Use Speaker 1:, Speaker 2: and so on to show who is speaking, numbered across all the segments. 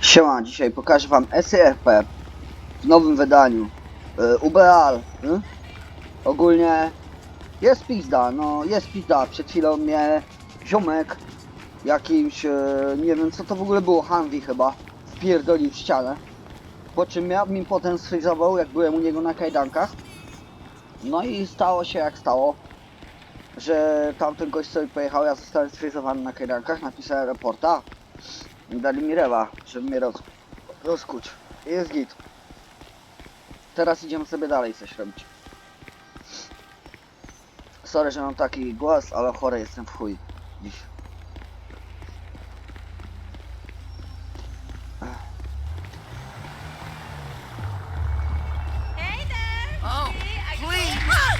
Speaker 1: Siema, dzisiaj pokażę wam SRP w nowym wydaniu. Ubeal. Ogólnie jest pizda, no jest pizda. Przed chwilą mnie ziomek jakimś, nie wiem co to w ogóle było, Humvee chyba, wpierdolił w ścianę. Po czym mi potem sfrizował, jak byłem u niego na kajdankach. No i stało się jak stało, że tamten gość sobie pojechał, ja zostałem sfrizowany na kajdankach, napisałem raporta. Dali mi rewa, żeby mnie rozkuć. Jest git. Teraz idziemy sobie dalej coś robić. Sorry, że mam taki głos, ale chory jestem w chuj dziś.
Speaker 2: Hey there!
Speaker 3: Oh,
Speaker 2: See, I
Speaker 3: please!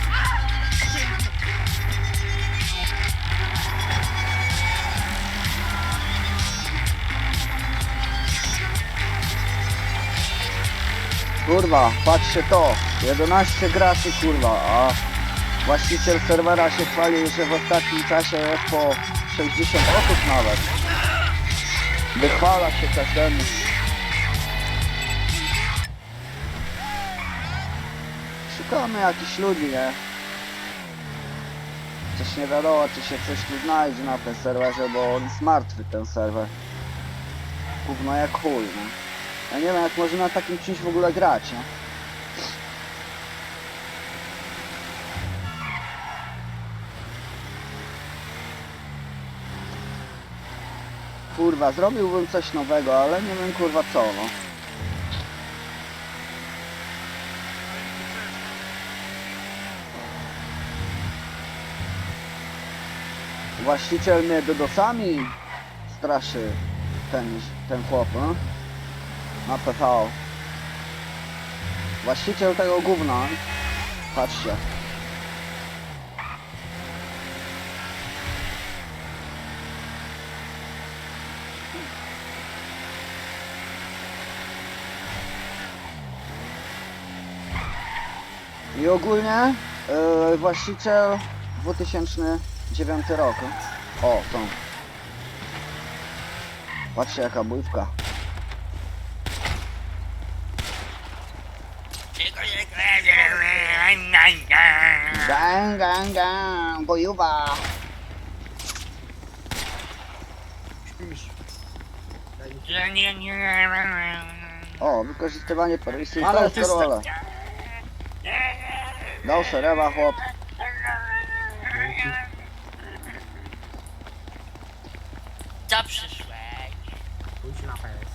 Speaker 1: Kurwa, patrzcie to. 11 graczy, kurwa, a właściciel serwera się chwalił, że w ostatnim czasie jest po 60 osób nawet. Wychwala się każdemu. Szukamy jakichś ludzi, nie? Coś nie wiadomo, czy się coś tu znajdzie na tym serwerze, bo on jest martwy, ten serwer. Gówno jak chuj, nie? Ja nie wiem, jak można na takim czymś w ogóle grać, nie? Kurwa, zrobiłbym coś nowego, ale nie wiem kurwa co, no. Właściciel mnie dodosami straszy, ten chłop, no? Na PV. Właściciel tego gówna, patrzcie. I ogólnie właściciel 2009 rok. O, tą. Patrzcie jaka bójwka. Gang, gang, gang, bojuwa. O, wykorzystywanie permisji, to jest rola. Dał serewa chłop.
Speaker 3: Co przyszłeś?
Speaker 4: Pójdź na PS.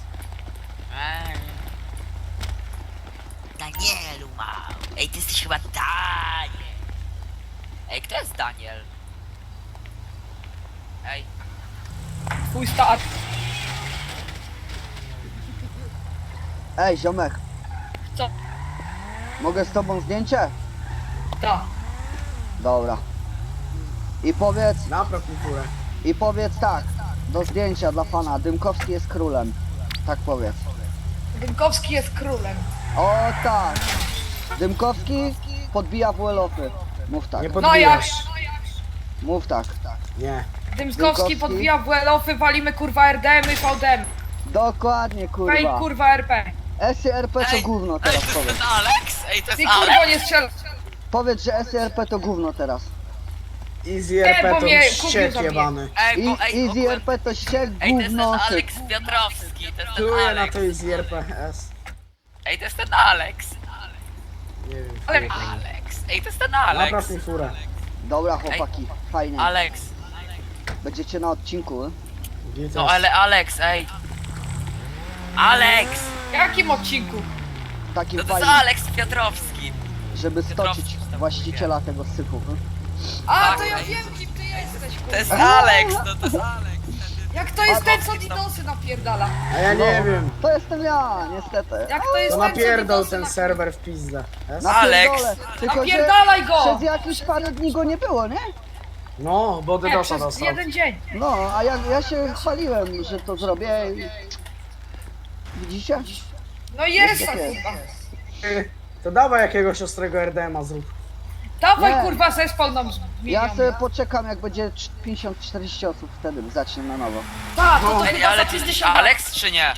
Speaker 3: Danielu mał. Ej, ty jesteś chyba Daniel. Ej, kto jest Daniel? Ej,
Speaker 4: Twój start.
Speaker 1: Ej, ziomek,
Speaker 4: Co?
Speaker 1: mogę z tobą zdjęcie?
Speaker 4: Ta.
Speaker 1: Dobra.
Speaker 4: Napraw mi furę.
Speaker 1: I powiedz tak, do zdjęcia dla fana, Dymkowski jest królem. Tak powiedz.
Speaker 4: Dymkowski jest królem.
Speaker 1: O tak. Dymkowski podbija WL-ofy. Mów tak,
Speaker 4: Nie
Speaker 5: No
Speaker 4: podbijasz.
Speaker 1: mów tak.
Speaker 4: Nie.
Speaker 1: Dymkowski
Speaker 5: podbija WL-ofy, walimy kurwa RDM i VDM.
Speaker 1: Dokładnie
Speaker 5: Fake
Speaker 1: kurwa.
Speaker 5: kurwa RP.
Speaker 1: SRP to gówno
Speaker 3: ej,
Speaker 1: teraz
Speaker 3: to jest
Speaker 1: powiedz.
Speaker 3: ten Alex? Ej, to
Speaker 5: Ty
Speaker 3: jest
Speaker 5: kurwa
Speaker 3: Alex?
Speaker 5: nie strzel.
Speaker 1: Powiedz, że SRP to gówno teraz.
Speaker 4: Easy
Speaker 5: Nie,
Speaker 4: RP
Speaker 5: bo
Speaker 4: to
Speaker 5: mnie
Speaker 4: ściek
Speaker 5: kupił za mnie.
Speaker 4: jebany.
Speaker 3: Ej, bo ej,
Speaker 1: Easy
Speaker 3: ogólnie-
Speaker 1: RP to ściek,
Speaker 3: Ej, to jest ten
Speaker 1: gówno, syk.
Speaker 3: Alex Piotrowski, to jest ten
Speaker 4: Czuję na
Speaker 3: Alex.
Speaker 4: to Easy RPS.
Speaker 3: Ej, to jest ten Alex.
Speaker 4: Nie wiem.
Speaker 5: Ale-
Speaker 3: Alex. Ej, to jest ten Alex.
Speaker 4: Napraw mi furę.
Speaker 1: Dobra chłopaki, fajnie.
Speaker 3: Alex.
Speaker 1: Będziecie na odcinku.
Speaker 4: Gites.
Speaker 3: No ale Alex, ej. Alex!
Speaker 5: W jakim odcinku?
Speaker 1: Takim
Speaker 3: No to jest
Speaker 1: fajnym,
Speaker 3: Alex Piotrowski.
Speaker 1: żeby stoczyć
Speaker 3: Piotrowski,
Speaker 1: właściciela tego syfu.
Speaker 5: A, to
Speaker 3: Tak,
Speaker 5: ja
Speaker 3: ej.
Speaker 5: wiem kim ty jesteś
Speaker 3: To
Speaker 5: kurwa.
Speaker 3: jest Alex, no to jest Alex.
Speaker 5: Jak to jest ten co Didosy napierdala?
Speaker 4: A ja nie wiem.
Speaker 1: To jestem ja, niestety.
Speaker 5: Jak to jest
Speaker 4: To
Speaker 5: ten co
Speaker 4: napierdol
Speaker 5: Didosy
Speaker 4: ten
Speaker 5: napierdala?
Speaker 4: serwer w pizdę. Es?
Speaker 1: Napierdolę. Tylko, że
Speaker 5: Napierdalaj go!
Speaker 1: przez jakieś parę dni go nie było, nie?
Speaker 4: No, bo
Speaker 5: Nie,
Speaker 4: DDoSa
Speaker 5: przez
Speaker 4: dostał.
Speaker 5: jeden dzień.
Speaker 1: No, a ja się chwaliłem, że to zrobię i... Widzicie?
Speaker 5: No jest
Speaker 1: Jest, jest.
Speaker 5: kurwa.
Speaker 4: To dawaj jakiegoś ostrego RDMA zrób.
Speaker 5: Dawaj
Speaker 1: Nie.
Speaker 5: kurwa zespół nam
Speaker 1: Ja
Speaker 5: zmieniamy.
Speaker 1: sobie poczekam, jak będzie 50-40 osób, wtedy zacznę na nowo.
Speaker 5: Tak, no to
Speaker 3: Ej,
Speaker 5: chyba
Speaker 3: ale
Speaker 5: za
Speaker 3: ty jesteś
Speaker 5: 50
Speaker 3: Alex czy nie?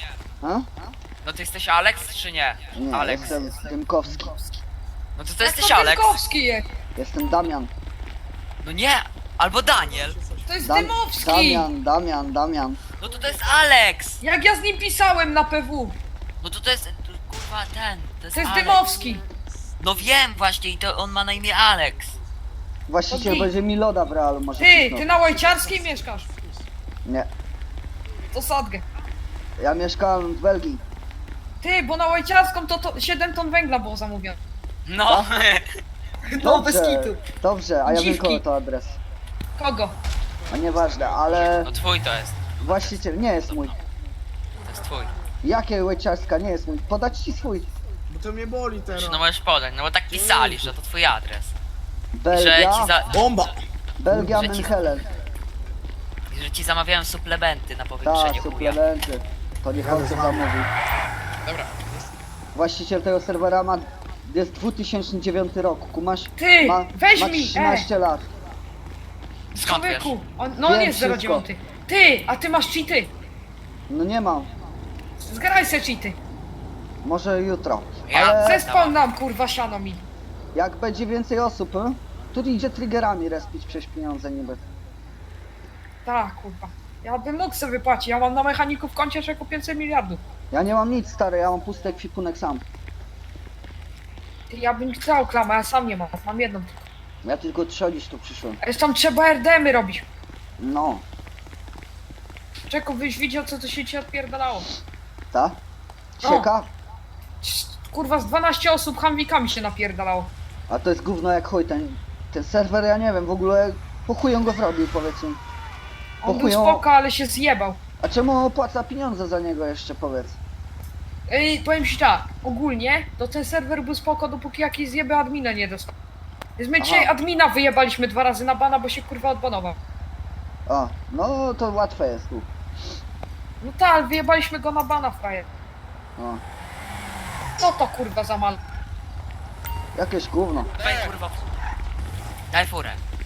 Speaker 1: A?
Speaker 3: No ty jesteś Alex czy nie?
Speaker 1: Nie,
Speaker 3: Alex.
Speaker 1: jestem Dymkowski.
Speaker 3: No to
Speaker 5: Jak
Speaker 3: jesteś Alex.
Speaker 5: Dymkowski jest.
Speaker 1: Jestem Damian.
Speaker 3: No nie, albo Daniel.
Speaker 5: To jest
Speaker 1: Dam-
Speaker 5: Dymowski.
Speaker 1: Damian.
Speaker 3: No to jest Alex.
Speaker 5: Jak ja z nim pisałem na PW.
Speaker 3: No to jest, kurwa ten. To jest,
Speaker 5: To jest
Speaker 3: Alex.
Speaker 5: Dymowski.
Speaker 3: No wiem właśnie i to on ma na imię Alex.
Speaker 1: Właściciel
Speaker 5: Okej.
Speaker 1: będzie mi loda w realu, może
Speaker 5: Ty,
Speaker 1: pisnął.
Speaker 5: ty na Łajciarskiej mieszkasz.
Speaker 1: Nie,
Speaker 5: To sadgę.
Speaker 1: ja mieszkałem w Belgii.
Speaker 5: Ty, bo na Łajciarską to 7 ton węgla było zamówione.
Speaker 3: No.
Speaker 5: No, bez kitu.
Speaker 1: Dobrze, a ja wiem
Speaker 5: Dziwki.
Speaker 1: kogo to adres.
Speaker 5: Kogo?
Speaker 1: A nieważne, ale
Speaker 3: No twój to jest.
Speaker 1: właściciel nie jest mój.
Speaker 3: To jest twój.
Speaker 1: Jakie Łeciarska nie jest mój? Podać ci swój.
Speaker 4: Bo to mnie boli teraz.
Speaker 3: No możesz podać, no bo tak pisali, że to twój adres. Że ci,
Speaker 1: Belgia,
Speaker 4: Bomba!
Speaker 1: Belgia,
Speaker 3: że ci-
Speaker 1: Menhelen.
Speaker 3: że ci zamawiałem suplementy na
Speaker 1: Tak,
Speaker 3: powiększenie chuja.
Speaker 1: suplementy. To niech on to zamówi.
Speaker 3: Dobra.
Speaker 1: Właściciel tego serwera ma... Jest 2009 rok, kumasz?
Speaker 5: Ty,
Speaker 1: Ma,
Speaker 5: weź
Speaker 1: ma
Speaker 5: mi,
Speaker 1: 13 lat.
Speaker 3: Skąd wiesz?
Speaker 5: Człowieku, on
Speaker 1: Wiem
Speaker 5: jest
Speaker 1: wszystko.
Speaker 5: 09. Ty, a ty masz cheaty.
Speaker 1: No nie mam.
Speaker 5: Zgraj se cheaty.
Speaker 1: Może jutro.
Speaker 3: Ja
Speaker 1: Ale
Speaker 5: Zespał nam, kurwa, siano mi.
Speaker 1: jak będzie więcej osób, to idzie triggerami respić przez pieniądze niby.
Speaker 5: Tak, kurwa. Ja bym mógł sobie wypłacić, ja mam na mechaniku w koncie jeszcze 500 miliardów.
Speaker 1: Ja nie mam nic stary, ja mam pusty ekwipunek sam.
Speaker 5: Ty, ja bym chciał klamę, ja sam nie mam, mam jedną.
Speaker 1: Ja tylko trzodzić tu przyszłem.
Speaker 5: Zresztą trzeba RDM-y robić.
Speaker 1: No,
Speaker 5: Czeko, byś widział, co to się ci odpierdalało.
Speaker 1: ta? Sieka?
Speaker 5: Kurwa, z 12 osób hamwikami się napierdalało.
Speaker 1: A to jest gówno jak chuj, ten serwer ja nie wiem, w ogóle po chuj on go zrobił powiedzmy.
Speaker 5: On był
Speaker 1: Pochują-
Speaker 5: spoko, ale się zjebał.
Speaker 1: A czemu opłaca pieniądze za niego jeszcze powiedz?
Speaker 5: Powiem ci tak, ogólnie to ten serwer był spoko, dopóki jakiś zjeby admina nie dostał. Więc my dzisiaj admina wyjebaliśmy 2 razy na bana, bo się kurwa odbanował.
Speaker 1: O, no to łatwe jest tu.
Speaker 5: No tak, ale wyjebaliśmy go na bana, frajer.
Speaker 1: O,
Speaker 5: No to kurwa za mal.
Speaker 1: jakieś gówno.
Speaker 3: Daj kurwa. Daj furę.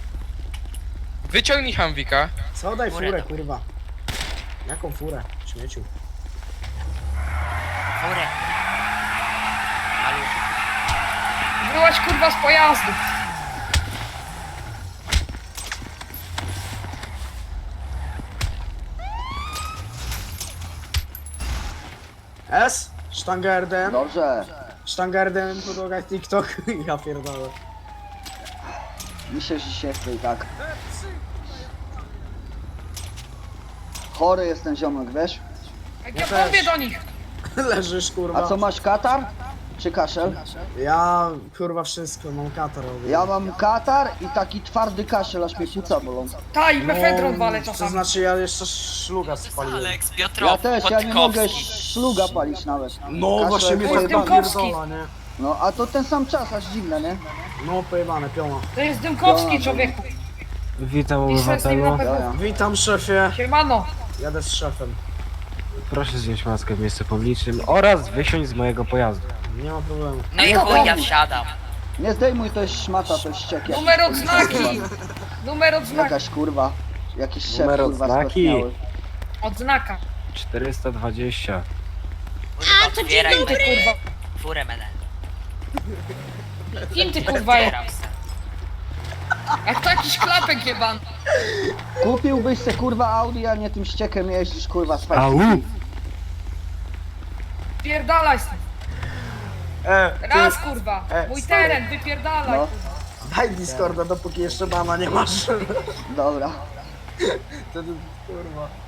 Speaker 2: Wyciągnij Hamwika.
Speaker 4: Co daj
Speaker 3: Furę
Speaker 4: furę,
Speaker 3: dawaj.
Speaker 4: kurwa? Jaką furę? Śmieciu.
Speaker 3: Furę. Maluch.
Speaker 5: Byłaś kurwa z pojazdu.
Speaker 4: S? Sztanga RDM?
Speaker 1: Dobrze,
Speaker 4: Sztanga RDM po drogach TikTok. Ja pierdolę.
Speaker 1: myślę, że się chce i tak. Chory jest ten ziomek, wiesz?
Speaker 5: Jak
Speaker 4: Ja
Speaker 5: ja
Speaker 4: też.
Speaker 5: mówię do nich.
Speaker 4: Leżysz, kurwa.
Speaker 1: A co masz, katar? Czy kaszel?
Speaker 4: Ja, kurwa, wszystko, mam katar.
Speaker 1: Ja mam katar i taki twardy kaszel, aż mnie płuca bolą.
Speaker 5: Ta i mefedron walę
Speaker 4: To
Speaker 5: czasami.
Speaker 4: znaczy, ja jeszcze szluga spaliłem.
Speaker 3: Alex,
Speaker 1: Ja
Speaker 3: Piotrow,
Speaker 1: też, ja nie mogę
Speaker 3: Podkowski.
Speaker 1: szluga palić nawet.
Speaker 4: No,
Speaker 1: Kaszel-
Speaker 4: właśnie mnie
Speaker 5: To
Speaker 4: to
Speaker 5: jest
Speaker 4: chyba
Speaker 5: Dymkowski.
Speaker 4: pierdola, nie?
Speaker 1: No, a to ten sam czas, aż dziwne, nie?
Speaker 4: No, pojebane, piona.
Speaker 5: To jest Dymkowski,
Speaker 1: Dobra.
Speaker 5: człowieku.
Speaker 6: Witam
Speaker 5: Piszę z nim na
Speaker 6: obywatelu.
Speaker 5: PW.
Speaker 4: Witam, szefie.
Speaker 5: Siemano.
Speaker 4: Jadę z szefem.
Speaker 6: Proszę zdjąć maskę w miejscu publicznym oraz wysiąść z mojego pojazdu.
Speaker 4: Nie ma problemu.
Speaker 3: No i
Speaker 1: No
Speaker 3: chuj,
Speaker 1: dobra.
Speaker 3: ja wsiadam.
Speaker 1: Nie zdejmuj, to jest szmata, to jest ściek. jakiś.
Speaker 5: Numer odznaki. Numer odznaki.
Speaker 1: Jakaś kurwa, jakiś szef
Speaker 6: Numer
Speaker 1: kurwa
Speaker 6: odznaki.
Speaker 1: skostniały.
Speaker 5: Odznaka.
Speaker 6: 420.
Speaker 3: Kurwa, otwieraj
Speaker 5: Ty
Speaker 3: me-
Speaker 5: kurwa.
Speaker 3: furę menel.
Speaker 5: Kim ty kurwa jest?
Speaker 3: Otwieram se.
Speaker 5: Jak to jakiś klapek jeban.
Speaker 1: Kupiłbyś se kurwa Audi, a nie tym ściekiem jeździsz kurwa z
Speaker 6: Au!
Speaker 5: Pierdalaj stąd. Raz kurwa. Mój teren, wypierdalaj
Speaker 1: No.
Speaker 5: kurwa.
Speaker 4: Daj Discorda, dopóki jeszcze bana nie masz.
Speaker 1: Dobra.
Speaker 4: Wtedy, kurwa.